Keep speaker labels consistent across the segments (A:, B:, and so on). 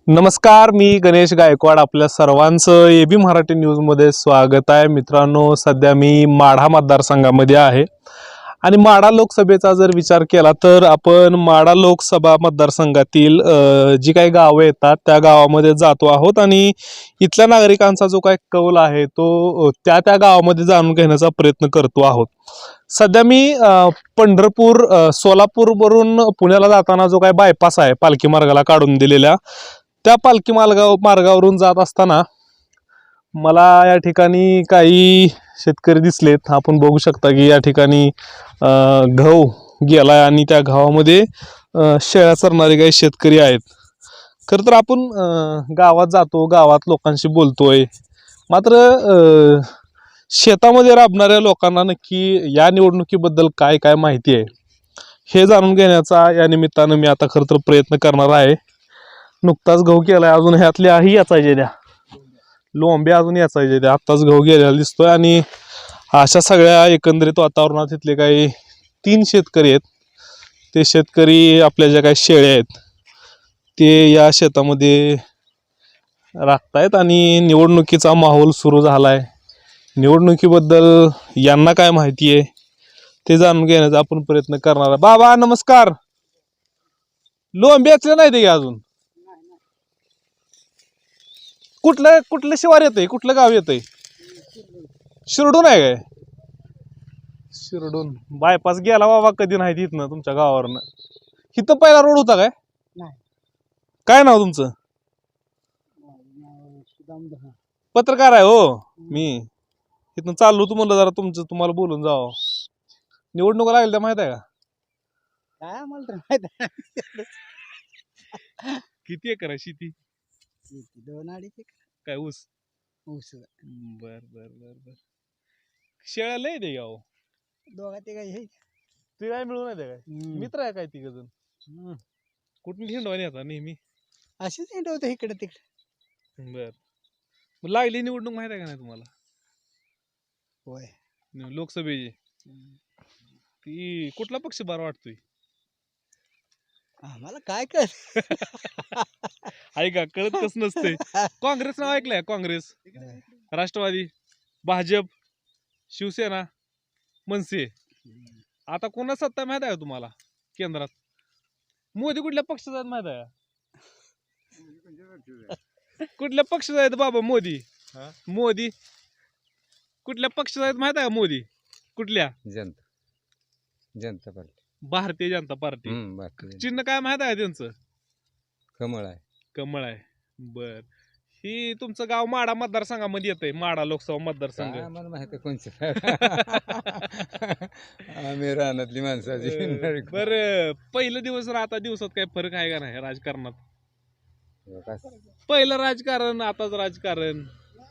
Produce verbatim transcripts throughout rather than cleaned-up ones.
A: नमस्कार, मी गणेश गायकवाड. आपल्या सर्वांचं एबी मराठी न्यूजमध्ये स्वागत आहे. मित्रांनो, सध्या मी माढा मतदारसंघामध्ये आहे आणि माढा लोकसभेचा जर विचार केला तर आपण माढा लोकसभा मतदारसंघातील जी काही गावं येतात त्या गावामध्ये जातो आहोत आणि इथल्या नागरिकांचा जो काही कौल आहे तो त्या त्या गावामध्ये जाणून घेण्याचा प्रयत्न करतो आहोत. सध्या मी पंढरपूर सोलापूरवरून पुण्याला जाताना जो काही बायपास आहे पालखी मार्गाला काढून दिलेल्या, त्या पालखी मार्गाव मार्गावरून जात असताना मला या ठिकाणी काही शेतकरी दिसलेत. आपण बघू शकता की या ठिकाणी गहू गेलाय आणि त्या गव्हामध्ये शेळ्या चरणारे काही शेतकरी आहेत. खरं तर आपण गावात जातो, गावात लोकांशी बोलतोय, मात्र शेतामध्ये राबणाऱ्या लोकांना नक्की या निवडणुकीबद्दल काय काय माहिती आहे हे जाणून घेण्याचा या निमित्तानं मी आता खरं तर प्रयत्न करणार आहे. नुकताच गहू केलाय, अजून ह्यातले आही याचायचे द्या लोंबे अजून याचायचे द्या आत्ताच गहू गेलेला दिसतोय. आणि अशा सगळ्या एकंदरीत वातावरणात इथले काही तीन शेतकरी आहेत. ते शेतकरी आपल्या ज्या काही शेळ्या आहेत ते या शेतामध्ये राखतायत आणि निवडणुकीचा माहोल सुरू झालाय. निवडणुकीबद्दल यांना काय माहिती आहे ते जाणून घेण्याचा आपण प्रयत्न करणार आहे. बाबा नमस्कार. लोंबे याचले नाही ते अजून? कुठलं कुठलं शिवार येतंय, कुठलं गाव येतंय? शिरडून आहे काय? शिरडून बायपास गेला बाबा कधी नाही तिथनं तुमच्या गावावरनं. इथं पहिला रोड होता काय? काय नाव तुमचं? पत्रकार आहे हो मी. इथनं चाललो तू म्हणलं जरा तुमचं तुम्हाला बोलून जावं. निवडणुका लागल्या माहित आहे का?
B: काय आम्हाला तर माहित आहे.
A: किती एकर आहे शेती?
B: दोन अडीच एकर.
A: काय ऊस?
B: ऊस.
A: बर बर बर बर. शेळ्या लय दे गाव.
B: दोघा ते काय हे
A: ते काय मिळून नाही काय? मित्र आहे काय तिघ जण? कुठून हिंडवानी आता नेहमी?
B: असेच हिंडवतो इकडे तिकडे.
A: बर. मग लागली निवडणूक माहित आहे का नाही तुम्हाला?
B: होय.
A: लोकसभेची. ती कुठला पक्ष बरा वाटतोय?
B: आम्हाला काय कळ
A: ऐका, कळत कस नसते. काँग्रेस नाव ऐकलंय? काँग्रेस, राष्ट्रवादी, भाजप, शिवसेना, मनसे. आता कोणा सत्ता माहित आहे तुम्हाला केंद्रात? मोदी कुठल्या पक्षाचा आहेत माहित आहे? कुठल्या पक्षाचा आहेत बाबा मोदी? मोदी कुठल्या पक्षाचा आहेत माहित आहे का? मोदी कुठल्या?
C: जनता जनता पार्टी.
A: भारतीय जनता पार्टी. चिन्ह काय माहित आहे त्यांचं?
C: कमळ आहे.
A: कमळ आहे. बर. ही तुमचं गाव माढा मतदारसंघामध्ये येतंय, माढा लोकसभा मतदारसंघ.
C: आम्हाला माहिती आहे कोणची. आम्ही रानातली माणसाची.
A: बर, पहिलं दिवस आता दिवसात काय फरक आहे का नाही राजकारणात? पहिलं राजकारण आताच राजकारण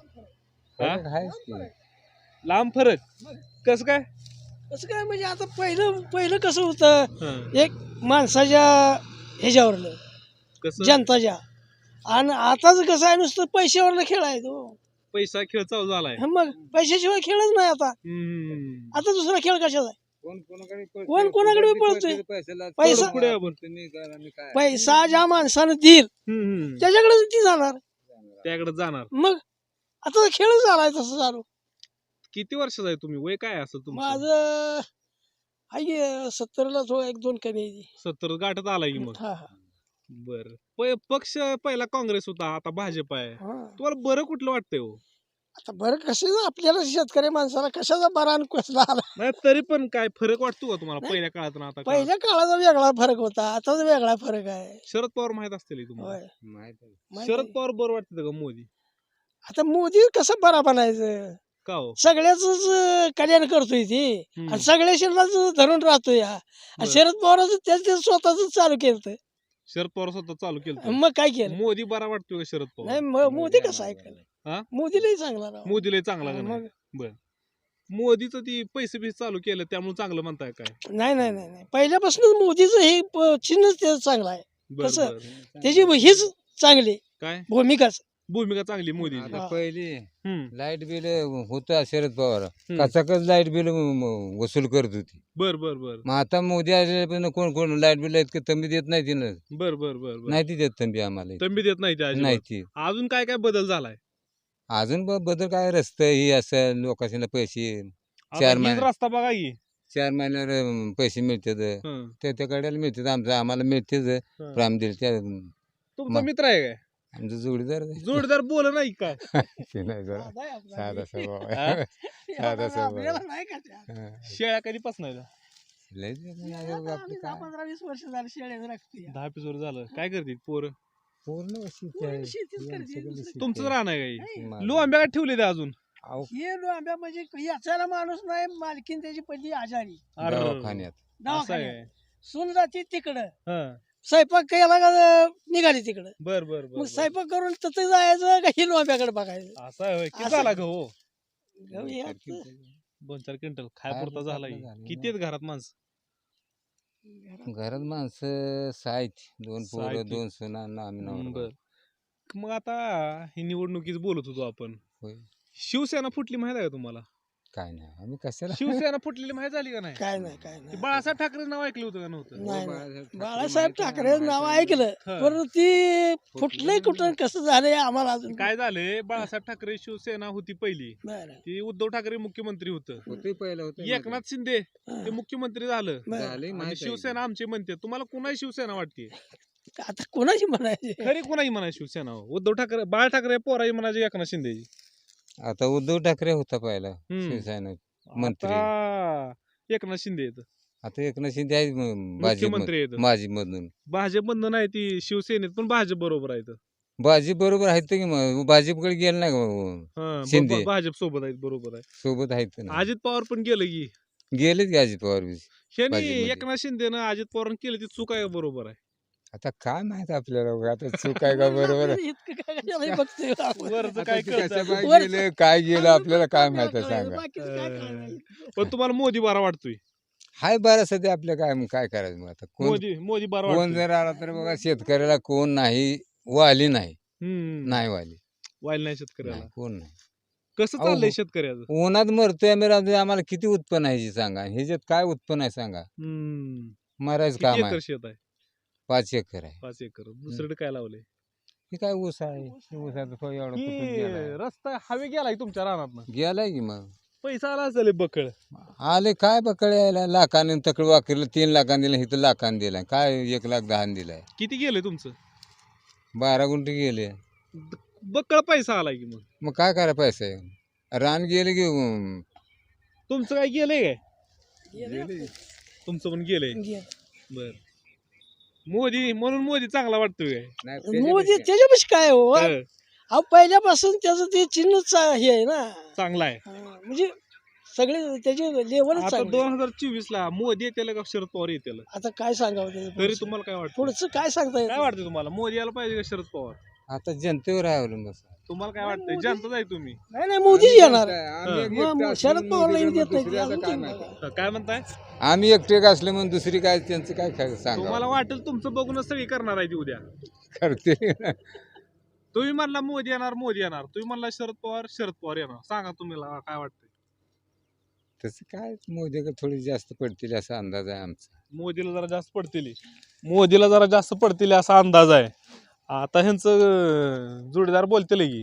A: लांब फरक. कसं काय?
B: कसं काय म्हणजे आता पहिलं पहिलं कसं होतं, एक माणसाच्या ह्याच्यावरलं
A: कसं
B: जनताच्या, आणि आताच कसं आहे नुसतं पैशावरलं खेळ आहे तो.
A: पैसा खेळ चालू झालाय.
B: मग पैशाशिवाय खेळच नाही आता.
A: हम्म.
B: आता दुसरा खेळ कशाचा आहे?
C: कोण
B: कोणाकडे पळतोय? पैसा
A: पुढे आपण
B: पैसा ज्या माणसानं देईल
A: हम्म
B: त्याच्याकडे ती जाणार.
A: त्याकडे जाणार.
B: मग आता खेळच झालाय तसं चालू.
A: किती वर्षाचा आहे तुम्ही? वय काय असं तुमचं?
B: माझं आहे सत्तरला थोडं एक दोन कमी आहे.
A: सत्तर गाठत आलाय की मग.
B: हा, हा.
A: बर. पक्ष पहिला काँग्रेस होता, आता भाजप आहे.
B: हा.
A: तुम्हाला बरं कुठलं वाटतंय हो?
B: आता बरं कसं आपल्याला शेतकरी माणसाला कशाचा बरा आणि कसला आला.
A: नाही तरी पण काय फरक वाटतो का तुम्हाला पहिल्या काळात ना आता काळात?
B: पहिल्या काळाचा वेगळा फरक होता, आताचा वेगळा फरक आहे.
A: शरद पवार माहित असतील तुम्हाला?
B: होय.
C: माहित आहे.
B: माहिती
A: शरद
B: आहे.
A: पवार बरं वाटतं का मोदी?
B: आता मोदी कसं बरा बनायचं,
A: का हो?
B: सगळ्याच कल्याण करतोय ती
A: हम्म.
B: आणि सगळ्या शरीराच धरून राहतोय हा. आणि
A: बरं.
B: शरद पवाराचं त्याच त्याच स्वतःच चालू केलं.
A: शरद पवार स्वतः चालू केलं.
B: मग काय केलं?
A: मोदी बरा वाटतोय का शरद पवार?
B: नाही म- मोदी कसा
A: हा?
B: ऐकलं? मोदीलाही चांगला राव.
A: मोदीला चांगला का नाही?
B: मग
A: बर. मोदीचं ती पैसे बिसे चालू केलं त्यामुळे चांगलं म्हणताय काय?
B: नाही नाही नाही नाही पहिल्यापासूनच मोदीचं हे प- चिन्हच त्याचं चांगलं आहे.
A: बर
B: कसं?
A: बर.
B: त्याची हीच चांगली
A: काय
B: भूमिकाच.
A: भूमिका चांगली मोदीची
C: आता
B: हा.
C: पहिली
A: हम्म
C: लाईट बिल होतं शरद पवार
A: हम्म.
C: कचाकच लाईट बिल वसूल करत होती.
A: बर बर बर
C: मग आता मोदी आल्यापासून कोण कोण लाईट बिल इतकं तंबी देत नाही तिनं
A: बर बर बर बर
C: नाही ती देत तंबी आम्हाला इथं.
A: तंबी देत नाही ते
C: नाही
A: अजिबात.
C: ती
A: अजून काय काय बदल झालाय
C: अजून ब- बदल काय रस्ते ही असं लोकांना पैसे
A: आता
C: चार
A: हीच
C: महिने
A: रस्ता बघा की
C: चार महिन्यावर अं, पैसे मिळतात
A: हं,
C: ते त्या कड्याला मिळतात आमचं आम्हाला मिळतेच
A: हं.
C: राम दिल त्या
A: तुमचा
C: मग.
A: मित्र आहे काय
C: आमचं जोडीदार आहे.
A: जोडीदार बोल नाही काय
C: ते नाही जरा
B: साधा आहे आपला.
C: साधा स्वभाव
A: हा?
C: आहे. साधा
B: एवढा
C: स्वभाव
B: आपल्याला
C: आहे.
B: नाही का त्या?
C: हा.
A: शेळ्या कधीपासून आहे
C: लय दिवस नाही
B: आता
C: आले बाबा
B: आम्ही
C: आपले
B: दहा
C: काय.
B: पंधरा वीस वर्ष झाली शेळ्या राखते
A: दहा एपिसोड झालं काय करते पोर
C: पूर्ण शेती
B: पूर्ण
C: आहे.
B: शेतीच
C: ही
B: करते,
C: आमच्याकडे
B: दुसरं
C: शेती
A: तुमचं
C: आहे.
A: राहणं आहे काही
C: माझं.
A: लो आंब्या काय ठेवले ते अजून
C: अहो,
B: हे आंब्या म्हणजे याचायला माणूस नाही मालकीन त्याची पहिली आजारी
A: अरे,
C: दवाखान्यात
A: असं
B: दवाखान्यात
A: आहे
B: सून जाते तिकडं
A: हं.
B: स्वयंपाक केला का निघाली तिकडं
A: बर बर बर
B: मग
A: बर.
B: स्वयंपाक करून तिथे जायचं का हिलो आंब्याकडे बघायचं
A: असं आहे होय. किती
B: असं.
A: झाला गहू
B: गहू हे
C: तर
B: असं.
C: किती-
A: दोन चार क्विंटल खाय
C: खायला
A: पुरता झाला
C: आपलं
A: की.
C: झालं
A: किती आहेत घरात माणसं
C: घरात माणसं सहा आहेत दोन
A: सहा
C: पोरं
A: आहेत.
C: दोन सुना आणि आम्ही नवरा
A: बर मग आता ही निवडणुकीच बोलत होतो आपण
C: होय.
A: शिवसेना फुटली माहित आहे का तुम्हाला
C: काय नाही आम्ही कशाला
A: शिवसेना फुटलेली माहित झाली का नाही
B: काय नाही काय
A: ते
B: नाही
A: बाळासाहेब ठाकरे नाव ऐकलं होतं का नव्हतं
B: नाही,
C: बाळासाहेब
B: नाही.
C: ठाकरे
B: बाळासाहेब
C: माहित आहे,
B: ठाकरे नाव
C: माहित आहे.
B: ऐकलं
A: हं.
B: पण ती फुटलंय कुठं कसं झालंय आम्हाला अजून
A: काय झाले बाळासाहेब ठाकरे शिवसेना होती पहिली
B: बरं
A: ती उद्धव ठाकरे मुख्यमंत्री होतं
C: होते पहिलं होतं
A: एकनाथ शिंदे
B: हं.
A: ते मुख्यमंत्री झालं
B: बरं.
C: झाले
A: आणि
C: माहित आहे.
A: शिवसेना आमचे म्हणते तुम्हाला कुणाही शिवसेना वाटते
B: आता कोणाची म्हणायची
A: खरी कुणाही म्हणाय शिवसेना हो. उद्धव ठाकरे बाळ ठाकरे पोराही म्हणायचे एकनाथ शिंदेची
C: आता उद्धव ठाकरे होता पहिला
A: हम्म.
C: शिवसेना मंत्री.
A: आता एकनाथ शिंदे आहेत
C: आता एकनाथ शिंदे आहे भाजप
A: मुख्यमंत्री आहेत
C: माझी मधून
A: भाजप बंधन आहे ती शिवसेनेत पण भाजप बरोबर आहेत
C: भाजप बरोबर आहेत की मग भाजपकडे गेलं नाही का मग?
A: हं, ब-
C: शिंदे.
A: ब- भाजप सोबत आहेत बरोबर आहे
C: सोबत आहेत ना
A: अजित पवार पण गेलं की
C: गेलेच की अजित पवार बी.
A: ह्यानी
C: भाजपमध्ये.
A: एकनाथ शिंदेनं अजित पवार केलं ती चूक आहे का बरोबर आहे
C: आता काय माहित आपल्याला उगा आता चूक आहे का बरोबर आहे?
B: इतकं काय कशाला बघतोय आपण?
A: वरचं
C: आता
A: काय
C: ते
A: कळतं
C: कसं काय
B: वरचं-
C: गेलं काय गेलं आपल्याला काय माहित आहे
B: आपल्याला
C: सांगा.
B: बाकीचं काय कळणार?
A: पण तुम्हाला मोदी बरा वाटतोय
C: हाय बरं सध्या आपल्या काय मग काय करायचं मग आता कोण
A: मोदी मोदी बरा
C: कोण
A: वाटतोय
C: जर आला तर बघा शेतकऱ्याला कोण नाही वाली नाही
A: हम्म
C: नाही वाली
A: वाईल नाही शेतकऱ्याला
C: नाही कोण नाही
A: कसं
C: अहो,
A: चाललंय शेतकऱ्याचं
C: उन्हात मरतोय आम्ही राहतोय आम्हाला किती उत्पन्न आहे हे सांगा ह्याच्यात काय उत्पन्न आहे सांगा
A: हम्म
C: मरायचं
A: किती
C: काम
A: एकर
C: आहे
A: शेत आहे
C: पाच एकर आहे
A: पाच एकर दुसरीकडे काय लावलंय
C: हे काय ऊस आहे हे ऊसाचं फळ एवढं तुटून
A: की
C: गेलाय.
A: रस्ता हवे गेलाय तुमच्या रानात
C: गेलाय की मग
A: पैसा आला असेल बकळ
C: आले काय बकळ यायला लाखाने तकड वाकरलं तीन लाखाने दिलं इथं लाखाने दिलाय काय एक लाख दहा दिलाय
A: किती गेलंय तुमचं
C: बारा गुंठे गेले
A: बकळ पैसा आलाय की मग
C: मग काय करा पैसा आहे रान गेले की अं,
A: तुमचं काय गेलंय काय
B: गेलं
A: तुमचं पण गेलंय
B: गेलं.
A: बर मोदी म्हणून मोदी चांगला वाटतोय काय
C: नाही
B: मोदी
C: त्याच्यापेक्षा-
B: त्याच्यापाशी काय हो
A: हं,
B: अहो पहिल्यापासून त्याचं ते चिन्हच हे आहे ना
A: चांगला आहे
B: हा, म्हणजे सगळे त्याचे लेवलच
A: आता
B: चांगले
A: दोन हजार चोवीस ला मोदी येते का शरद पवार येते
B: आता काय सांगावं त्याचं
A: तरी
B: पुढचं?
A: तुम्हाला काय वाटतं
B: पुढचं काय सांगता येत
A: काय वाटतं तुम्हाला मोदी यायला पाहिजे का शरद पवार
C: आता जनतेवर आहे अवलंबून
A: तुम्हाला काय वाटतंय जनताच आहे तुम्ही
B: नाही नाही मोदीच येणार
C: आम्ही एक
B: मग-
C: एकटे
B: मग
C: असलो
B: शरद
C: म्हणून
B: पवारला
C: मोदीला
B: येऊ देत
C: मग
B: नाही
C: दुसऱ्याला
B: अजून
C: काय
B: ते
C: माहिती?
B: बघा.
A: हं, काय म्हणताय
C: आम्ही एकटे असले म्हणून दुसरी काय त्यांचं काय काय सांगा
A: तुम्हाला वाटेल तुमचं बघूनच सगळी करणार आहे ती उद्या
C: करते
A: तुम्ही म्हणला मोदी येणार मोदी येणार तुम्ही म्हणला शरद पवार शरद पवार येणार सांगा तुम्हाला काय वाटतंय
C: तसं काय मोदीकडे थोडी जास्त पडतील असा अंदाज आहे आमचा
A: मोदीला जरा जास्त पडतील मोदीला जरा जास्त पडतील असा अंदाज आहे आता ह्यांचं अं, जोडीदार बोलतील की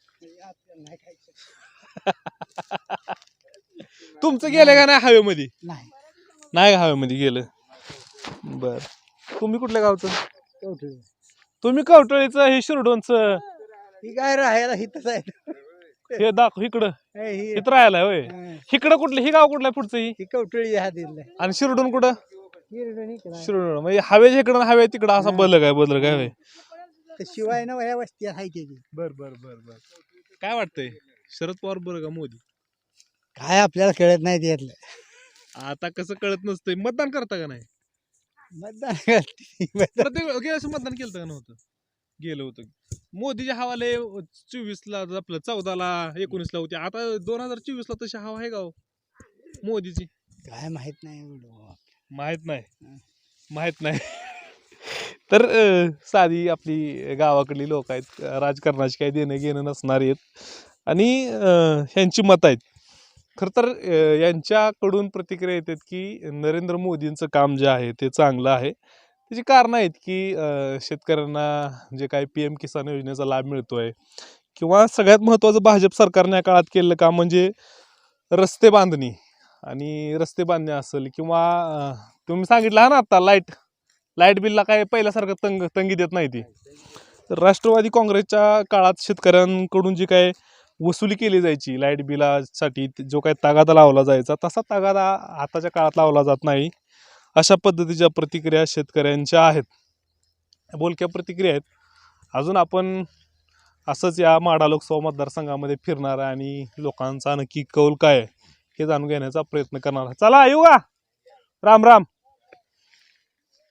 A: तुमचं गेलं का नाही हवेमध्ये
B: नाही
A: नाही का हवेमध्ये गेलं बर तुम्ही कुठल्या गावचं तुम्ही कवटळीचं हे शिरडोनचं
B: ही काय राहायला हिथच आहे
A: हे दाखव इकडं
B: ही
A: इथं राहायला होय इकडं कुठलं हे गाव कुठलं आहे पुढचं ही
B: कवटळी हा दिलं
A: आणि शिरडोन कुठं शिरडोन म्हणजे हवेच्या इकडं आणि हवे तिकडं असा बदल काय बदल काय होय
B: शिवाय ना वया वस्ती आहे त्याची
A: बर बर बर बर काय वाटतंय शरद पवार बरं का मोदी
B: काय आपल्याला कळत नाही त्यातलं
A: आता कसं कळत नसतंय मतदान करता का नाही
B: मतदान करते.
A: प्रत्येक गेल्या वर्षी मतदान केलं का नव्हतं गेलं होतं मोदीच्या हवाले चोवीस ला आपलं चौदा ला एकोणीस ला होती आता दोन हजार चोवीस ला तशी हवा आहे का हो? मोदीची
B: काय माहित नाही एवढं.
A: माहित नाही माहित नाही तर अ, साधी आपली गावाकडली लोक आहेत, राजकारणाची काही देणं घेणं नसणारी आहेत आणि अ, ह्यांची मतं आहेत. खरं तर अ, यांच्याकडून प्रतिक्रिया येतात की नरेंद्र मोदींचं काम जे आहे ते चांगलं आहे. त्याची कारणं आहेत की अ, शेतकऱ्यांना जे काही पी एम किसान योजनेचा लाभ मिळतोय किंवा सगळ्यात महत्त्वाचं भाजप सरकारने या काळात केलेलं काम म्हणजे रस्ते बांधणी आणि रस्ते बांधणे असेल किंवा अ, तुम्ही सांगितलं ना आता लाईट लाईट बिलला काय पहिल्यासारखं तंग तंगी देत नाही ती. तर राष्ट्रवादी काँग्रेसच्या काळात शेतकऱ्यांकडून जी काय वसुली केली जायची लाईट बिलासाठी जो काही तगादा लावला जायचा तसा तगादा आताच्या काळात लावला जात नाही. अशा पद्धतीच्या प्रतिक्रिया शेतकऱ्यांच्या आहेत, बोलक्या प्रतिक्रिया आहेत. अजून आपण असंच या माढा लोकसभा मतदारसंघामध्ये फिरणार आहे आणि लोकांचा नक्की कौल काय आहे हे जाणून घेण्याचा प्रयत्न करणार आहे. चला येऊ का, राम राम.